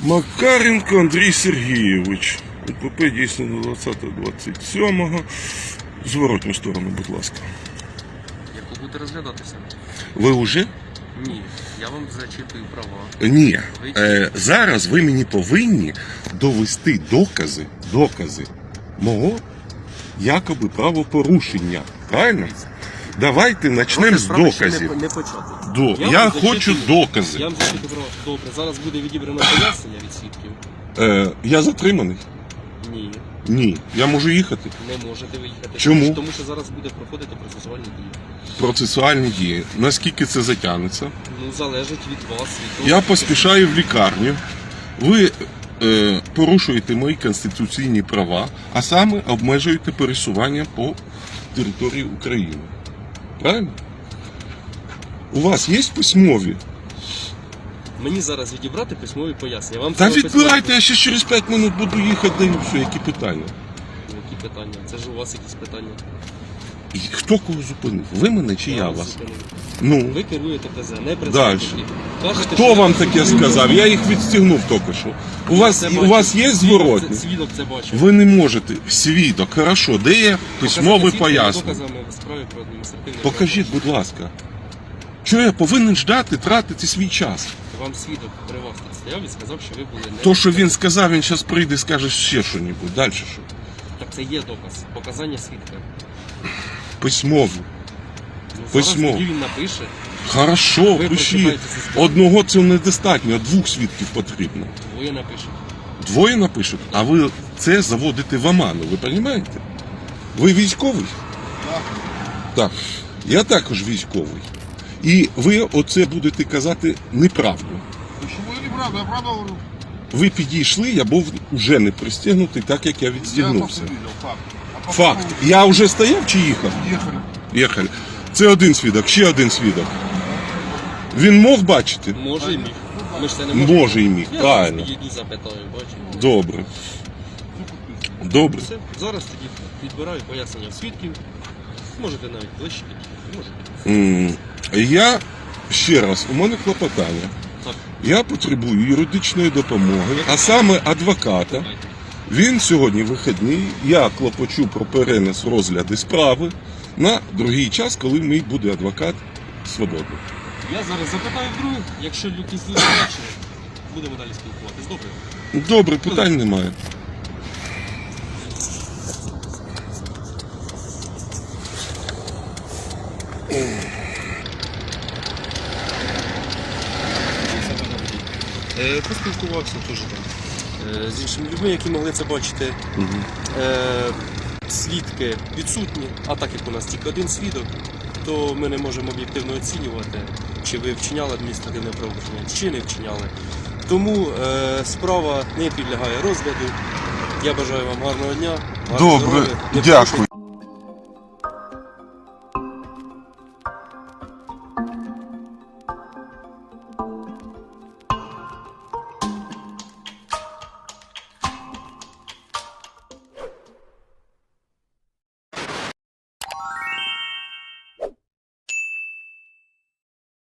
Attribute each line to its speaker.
Speaker 1: Макаренко Андрій Сергійович. УПП дійсно на 20.27. Зворотню сторону, будь ласка.
Speaker 2: Яку буде розглядатися?
Speaker 1: Ви вже?
Speaker 2: Ні, я вам зачитую права.
Speaker 1: Ні. Зараз ви мені повинні довести докази мого якоби правопорушення. Правильно? Давайте почнемо з доказів.
Speaker 2: Не почати.
Speaker 1: Я хочу докази.
Speaker 2: Я вам зачитую права. Добре, зараз буде відібрано пояснення від свідків.
Speaker 1: Я затриманий?
Speaker 2: Ні,
Speaker 1: Ні. Я можу їхати?
Speaker 2: не можете ви їхати.
Speaker 1: Чому?
Speaker 2: Тому що зараз буде проходити процесуальні дії.
Speaker 1: Процесуальні дії. Наскільки це затягнеться?
Speaker 2: Ну, залежить від вас. Від
Speaker 1: Я поспішаю в лікарню. Ви порушуєте мої конституційні права, а саме обмежуєте пересування по території України. Правильно? У вас є письмові?
Speaker 2: Мені зараз відібрати письмові пояснення. Вам
Speaker 1: Та
Speaker 2: треба
Speaker 1: відбирайте, я ще через 5 минут буду їхати, да і все, які питання.
Speaker 2: Які питання? Це ж у вас якісь питання.
Speaker 1: І хто кого зупинив? Ви мене чи я
Speaker 2: вас
Speaker 1: вас?
Speaker 2: зупинив.
Speaker 1: Ну,
Speaker 2: Ви керуєте ТЗ, не
Speaker 1: Дальше.
Speaker 2: працівники. Кажете,
Speaker 1: хто
Speaker 2: що
Speaker 1: вам
Speaker 2: я
Speaker 1: таке
Speaker 2: зупинив.
Speaker 1: сказав? Я їх відстігнув тільки що. У вас є зворотні?
Speaker 2: Свідок це бачив.
Speaker 1: Ви не можете. Свідок, хорошо. Де є письмове
Speaker 2: Показати
Speaker 1: пояснення?
Speaker 2: доказами в справі про адміністративне
Speaker 1: Покажіть, будь ласка. Чого я повинен ждати, тратити свій час?
Speaker 2: Вам свідок при вас тут стояв і сказав, що ви були не...
Speaker 1: То, що він сказав, він зараз прийде і скаже ще щось. Далі що?
Speaker 2: Так це є доказ. Показання свідка.
Speaker 1: Письмово.
Speaker 2: Ну,
Speaker 1: Письмо.
Speaker 2: Зараз тоді він напише.
Speaker 1: Хорошо,
Speaker 2: Ви
Speaker 1: пишіть.
Speaker 2: прочитаєте зі справи.
Speaker 1: Одного цього недостатньо, 2 свідків потрібно.
Speaker 2: Двоє напише.
Speaker 1: 2 напишуть, а ви це заводите в оману, ви розумієте? Ви військовий? Так. Я також військовий. І ви оце будете казати неправду.
Speaker 3: Почему неправда? Я правда говорю.
Speaker 1: Ви підійшли, я був вже не пристегнутий, так як я
Speaker 3: Я
Speaker 1: відстігнувся.
Speaker 3: просто видел факт. А по
Speaker 1: Факт. Я вже стояв чи їхав?
Speaker 3: поводу Ехали.
Speaker 1: Їхали. Це один свідок, ще один свідок. Він мог бачити?
Speaker 2: Може і міг. Ми ж це не можемо.
Speaker 1: Може і міг,
Speaker 2: Я
Speaker 1: правильно.
Speaker 2: зараз підійду, запитаю, бачу.
Speaker 1: Добре. Добре.
Speaker 2: Все, зараз тоді відбираю пояснення свідків. Можете навіть ближче підійти. Можете.
Speaker 1: Я ще раз, у мене клопотання.
Speaker 2: Так,
Speaker 1: Я потребую юридичної допомоги, а саме адвоката.
Speaker 2: давайте.
Speaker 1: Він сьогодні вихідний. Я клопочу про перенес розгляду справи на другий час, коли мій буде адвокат свободний.
Speaker 2: Я зараз запитаю других, якщо якісь речі, будемо далі спілкуватись. Добре?
Speaker 1: Добре, питань немає.
Speaker 2: Поспілкувався теж там з іншими людьми, які могли це бачити. Свідки відсутні, а так як у нас тільки один свідок, то ми не можемо об'єктивно оцінювати, чи ви вчиняли адміністративне правопорушення, чи не вчиняли. Тому справа не підлягає розгляду. Я бажаю вам гарного дня. гарного
Speaker 1: Добре,
Speaker 2: здоров'я. Не
Speaker 1: дякую.